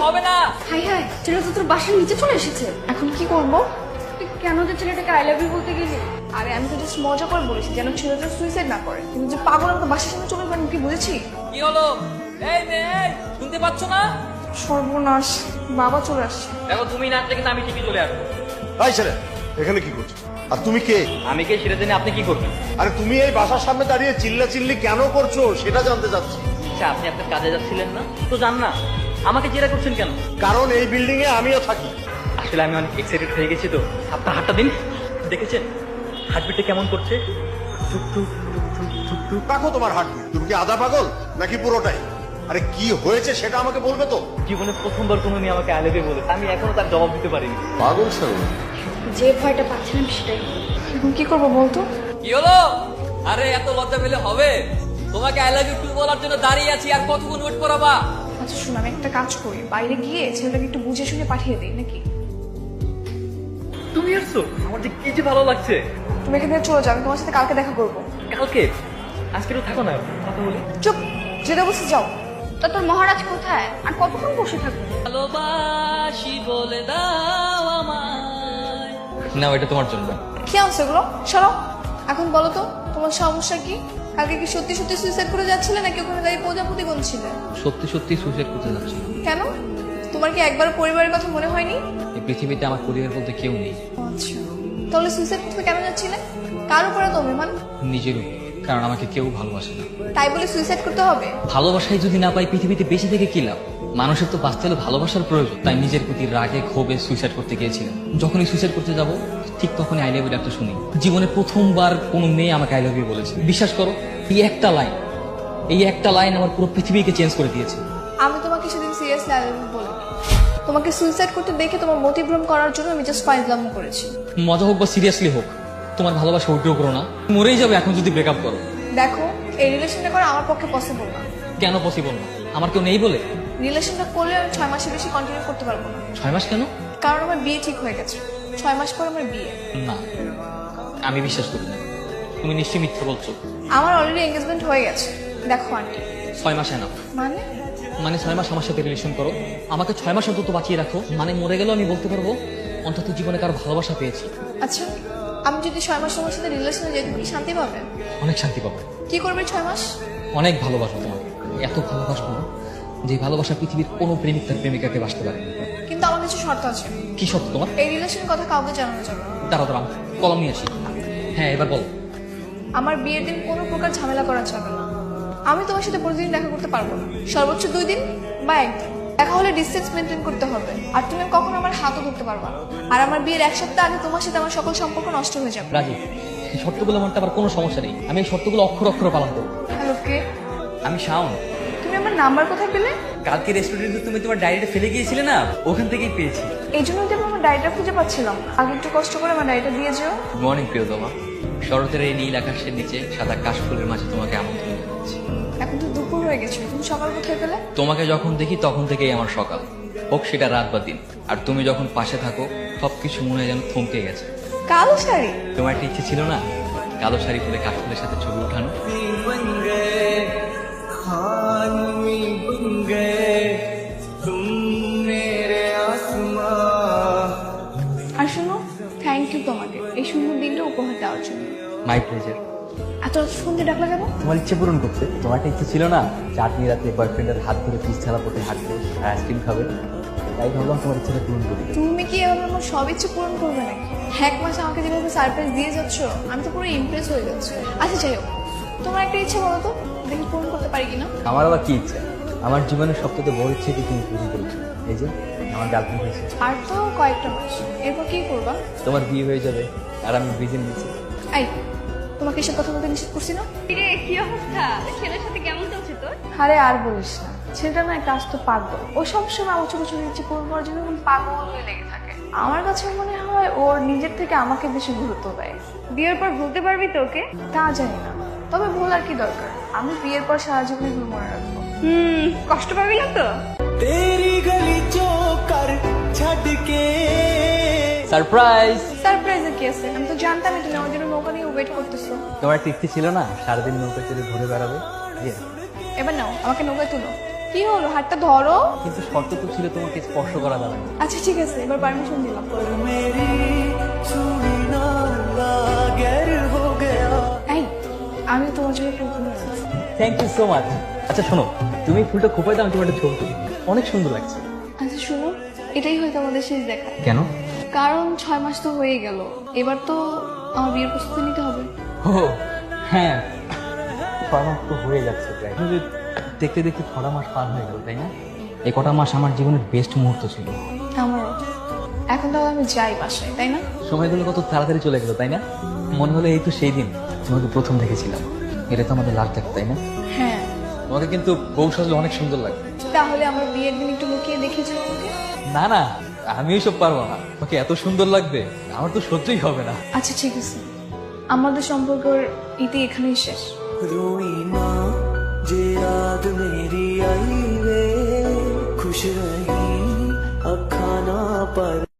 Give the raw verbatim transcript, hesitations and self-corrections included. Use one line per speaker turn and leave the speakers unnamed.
হবে না।
High high, ছেলেটা তো তোর বাসার নিচে চলে এসেছে। এখন কি করব? তুই কেন যে ছেলেটাকে আই লাভ ইউ বলতে গেলি? আরে আমি তো জাস্ট মজা করে বলেছি যেন ছেলেটা সুইসাইড না করে, কিন্তু যে পাগল আমাকে বাসার সামনে চলে গেল কি বুঝেছি?
কি হলো? এই মেয়ে, এই, শুনতে পাচ্ছ না?
সর্বনাশ, বাবা চলে আসছে।
দেখো তুমি না আসলে কিন্তু আমি ঠিকই চলে আসবো।
এই ছেলে, এখানে কি করছো? আর তুমি কে?
আমি কে সেটা জেনে আপনি কি করবেন?
আরে তুমি এই বাসার সামনে দাঁড়িয়ে চিল্লা চিল্লি কেন করছো সেটা জানতে চাচ্ছি।
আচ্ছা, আপনি আপনার কাজে যাচ্ছিলেন না তো যান না, আমাকে জেরা করছেন কেন?
কারণ এই বিল্ডিং এ আমিও থাকি।
আসলে আমি অনেক এক্সাইটেড হয়ে গেছি তো। আপনার হাতটা দিন, দেখেছেন হার্টবিটটা কেমন করছে? টুক টুক টুক টুক টুক টুক।
রাখো তোমার হার্টবিট। তুমি কি আধা পাগল নাকি পুরোটাই? আরে কি হয়েছে সেটা আমাকে বলবে তো।
জীবনে প্রথমবার কোনো মেয়ে আমাকে আই লাভ ইউ বলে, আমি এখনো তার জবাব দিতে পারিনি।
পাগল ছাড়ো।
যে ভয়টা পাচ্ছিলাম সেটাই। এখন কি করবো বলতো?
কি হলো? আরে এত লজ্জা পেলে হবে? তোমাকে আই লাভ ইউ বলার জন্য দাঁড়িয়ে আছি, আর কতক্ষণ ওয়েট করাবা?
আচ্ছা শোন, আমি একটা কাজ করি, বাইরে গিয়ে ছেলেটাকে একটু বুঝে শুনে পাঠিয়ে দিই নাকি?
তুমি আসছো? আমার যে কি যে ভালো লাগছে।
তুমি এখান থেকে চলে যাও, আমি তোমার সাথে কালকে দেখা করবো।
কালকে? আজকে তো থাকো না, কথা বলি।
চুপ, যেটা বসে যাও। তা তোর মহারাজ কোথায়? আর কতক্ষণ বসে থাকবো?
ভালোবাসি বলে দাও আমায়। না, এটা তোমার জন্য।
কি আনছো এগুলো? সরো। এখন বলো তো তোমার সমস্যা কি? কালকে কি সত্যি সত্যি সুইসাইড করে যাচ্ছিলে নাকি ওখানে দাঁড়িয়ে প্রজাপতি গুনছিলে?
সত্যি সত্যি সুইসাইড করতে যাচ্ছি।
কেন? তোমার কি একবার পরিবারের কথা মনে হয়নি?
এই পৃথিবীতে আমার পরিবার বলতে কেউ নেই।
আচ্ছা, তাহলে সুইসাইড করতে কেন যাচ্ছিলে? কার উপরে তো অভিমান?
নিজের উপর, কারণ আমাকে কেউ ভালোবাসে না।
তাই বলে সুইসাইড করতে হবে?
ভালোবাসাই যদি না পাই পৃথিবীতে বেঁচে থেকে কি লাভ? মানুষের তো বাঁচতে হলে ভালোবাসার প্রয়োজন। তাই নিজের প্রতি রাগে ক্ষোভে সুইসাইড করতে গিয়েছিলাম। যখনই সুইসাইড করতে যাব ঠিক তখনই আই লাভ ইউ ডাকটা শুনি। জীবনে প্রথমবার কোনো মেয়ে আমাকে আই লাভ ইউ বলেছে। বিশ্বাস করো, এই একটা লাইন এই একটা লাইন আমার পুরো পৃথিবীকে চেঞ্জ করে দিয়েছে।
আমি তোমাকে সেদিন সিরিয়াসলি আই লাভ ইউ বলি। তোমাকে সুইসাইড করতে দেখে তোমার মতিভ্রম করার জন্য আমি জাস্ট ফাইজলাম করেছি।
মজা হোক বা সিরিয়াসলি হোক, তোমার ভালোবাসা উঠেও করো না। মরেই যাবে এখন যদি ব্রেকআপ করো।
দেখো, এই রিলেশনটা করা আমার পক্ষে পসিবল না।
কেন পসিবল না? আমার কেউ নেই বলে?
রিলেশনটা করলে আমি ছয় মাসের বেশি কন্টিনিউ করতে পারবো না।
ছয় মাস কেন?
কারণ আমার বিয়ে ঠিক হয়ে গেছে। ছয় মাস পর আমার বিয়ে।
না, আমি বিশ্বাস করি না। তুমি নিশ্চয়ই মিথ্যে বলছো।
আমার অলরেডি এঙ্গেজমেন্ট হয়ে গেছে। দেখো আন্টি।
ছয় মাসে না
মানে?
মানে ছয় মাস আমার সাথে রিলেশন করো, আমাকে ছয় মাস অন্তত বাঁচিয়ে রাখো। মানে মরে গেলেও আমি বলতে পারবো অন্তত জীবনে কারো ভালোবাসা পেয়েছি।
আচ্ছা, আমি যদি ছয় মাস তোমার সাথে রিলেশনে যাই তুমি কি শান্তি পাবে?
অনেক শান্তি পাবো।
কি করবে ছয় মাস?
অনেক ভালোবাসবো তোমাকে, এত ভালোবাসবো যে ভালোবাসা পৃথিবীর কোনো প্রেমিক তার প্রেমিকাকে বাসতে পারে না।
কিন্তু আমার কিছু শর্ত আছে।
কি সত্য তোমার?
এই রিলেশনের কথা কাউকে জানানো যাবে না।
দাঁড়া দাঁড়া, কলম নিয়ে আসি। হ্যাঁ, এবার বল।
আমার বিয়ের দিন কোনো প্রকার ঝামেলা করা যাবে না। আমি তোমার সাথে প্রতিদিন দেখা করতে পারবো না, সর্বোচ্চ দুই দিন বা একদিন। দেখা হলে ডিস্টেন্স মেনটেন করতে হবে। আর তুমি কখনো আমার হাতও ধরতে পারবা না। আর আমার বিয়ের এক সপ্তাহ আগে তোমার সাথে আমার সকল সম্পর্ক নষ্ট হয়ে যাবে।
রাজি, এই শর্তগুলো মানতে আবার কোনো সমস্যা নেই। আমি এই শর্তগুলো অক্ষর অক্ষর পালন করবো।
হ্যালো, কে?
আমি শাওন।
তুমি আমার নাম্বার কোথায় পেলে?
কালকে রেস্টুরেন্টে তুমি তোমার ডায়েরিটা ফেলে গিয়েছিলে না, ওখান থেকেই পেয়েছি।
এই জন্য তো আমি আমার ডায়েরিটা খুঁজে পাচ্ছিলাম। আগে একটু কষ্ট করে আমার ডায়েরিটা দিয়ে যেও।
গুড মর্নিং প্রিয়তমা। শরতের এই নীল আকাশের নিচে সাদা কাশফুলের মাঝে তোমাকে আমন্ত্রণ জানাচ্ছি।
এখন তো দুপুর হয়ে গেছে, তুমি সকাল কোথায় পেলে?
তোমাকে যখন দেখি তখন থেকেই আমার সকাল, হোক সেটা রাত বা দিন। আর তুমি যখন পাশে থাকো সবকিছু মনে হয় যেন থমকে গেছে।
কালো শাড়ি?
তোমার একটা ইচ্ছে ছিল না কালো শাড়ি পরে কাশফুলের সাথে ছবি ওঠানো?
আর শোনো, থ্যাংক ইউ তোমাকে এই সুন্দর দিনটা উপহার দেওয়ার জন্য।
My pleasure.
এত সুন্দর ডাকলা কেন?
তোমার ইচ্ছে পূরণ করতে। তোমার একটা ইচ্ছে ছিল না চাটনি রাতে বয়ফ্রেন্ডের হাত ধরে পিস ছাড়া পথে হাঁটবে আর আইসক্রিম খাবে? তাই ভাবলাম তোমার ইচ্ছেটা পূরণ করি।
তুমি কি এভাবে আমার সব ইচ্ছে পূরণ করবে নাকি? এক মাস আমাকে যেভাবে সারপ্রাইজ দিয়ে যাচ্ছ আমি তো পুরো ইমপ্রেস হয়ে যাচ্ছি। আচ্ছা যাই হোক, তোমার একটা ইচ্ছে বলো তো, দেখি পূরণ করতে পারি কিনা।
আমার আবার কি ইচ্ছা? আমার জীবনের সবথেকে বড় ইচ্ছে কি তুমি পূরণ করেছো। এই যে আমার গার্লফ্রেন্ড হয়েছে।
আর তো কয়েকটা মাস, এরপর কি করবা?
তোমার বিয়ে হয়ে যাবে আর আমি ব্রিজে নিয়েছি।
এই, তোমাকে এসব কথা বলতে নিষেধ করছি না?
রে কি অবস্থা? ছেলের সাথে কেমন চলছে তোর?
আরে আর বলিস না, ছেলেটা না একটা আস্ত পাগল। ও সবসময় আমার ছোট ছোট ইচ্ছে পূরণ করার জন্য এরকম পাগল হয়ে লেগে থাকে। আমার কাছে মনে হয় ওর নিজের থেকে আমাকে বেশি গুরুত্ব দেয়।
বিয়ের পর ভুলতে পারবি তো ওকে?
তা জানি না, তবে ভুল আর কি দরকার। আমি বিয়ের পর সারা জীবন এগুলো মনে রাখবো।
হুম, কষ্ট পাবি না তো?
तेरी गली चौकर छड़ के
সারপ্রাইজ।
সারপ্রাইজের কি আছে? আমি তো জানতামই তুমি আমার জন্য নৌকা নিয়ে ওয়েট করতেছো।
তোমার একটা ইচ্ছে ছিল না সারাদিন নৌকা চড়ে ঘুরে বেড়াবে?
এবার নাও, আমাকে নৌকায় তুলো। কি কি হলো, হাতটা ধরো।
কিন্তু শর্ত তো ছিল তোমাকে স্পর্শ করা যাবে না।
আচ্ছা ঠিক আছে, এবার পারমিশন দিলাম।
मेरी सुनी ना गैर हो गया।
এই, আমি তোমার জন্য ফুল কিনে এনেছি।
Thank you so much. আচ্ছা শোনো, তুমি ফুলটা খোপাই দাও, আমি তোমার একটা ছবি তুলি। অনেক সুন্দর লাগছে।
আচ্ছা শুনো, এটাই হয়তো আমাদের শেষ দেখা।
কেন?
কারণ ছয় মাস তো হয়ে গেল, এবার তো আমার বিয়ের প্রস্তুতি নিতে হবে।
ও হ্যাঁ, ছয় মাস তো হয়ে যাচ্ছে প্রায়। কিন্তু দেখতে দেখতে ছটা মাস পার হয়ে গেল, তাই না? এই কটা মাস আমার জীবনের বেস্ট মুহূর্ত ছিল।
আমারও। এখন তাহলে আমি যাই বাসায়, তাই না?
সময়গুলো কত তাড়াতাড়ি চলে গেল, তাই না? মনে হলো এই তো সেই দিন তোমাকে প্রথম দেখেছিলাম। এটা তো আমাদের লাস্ট দেখা, তাই না?
হ্যাঁ।
তোমাকে কিন্তু বউ সাজলে অনেক সুন্দর লাগে।
তাহলে আমার বিয়ের দিন একটু লুকিয়ে দেখেছিল আমাকে।
না না, আমি ওইসব পারবো না। তোমাকে এত সুন্দর লাগবে আমার তো সহ্যই হবে না।
আচ্ছা ঠিক আছে, আমাদের সম্পর্কের ইতি এখানেই শেষ।
रोई ना जे याद मेरी आई वे खुश रही अखा ना पर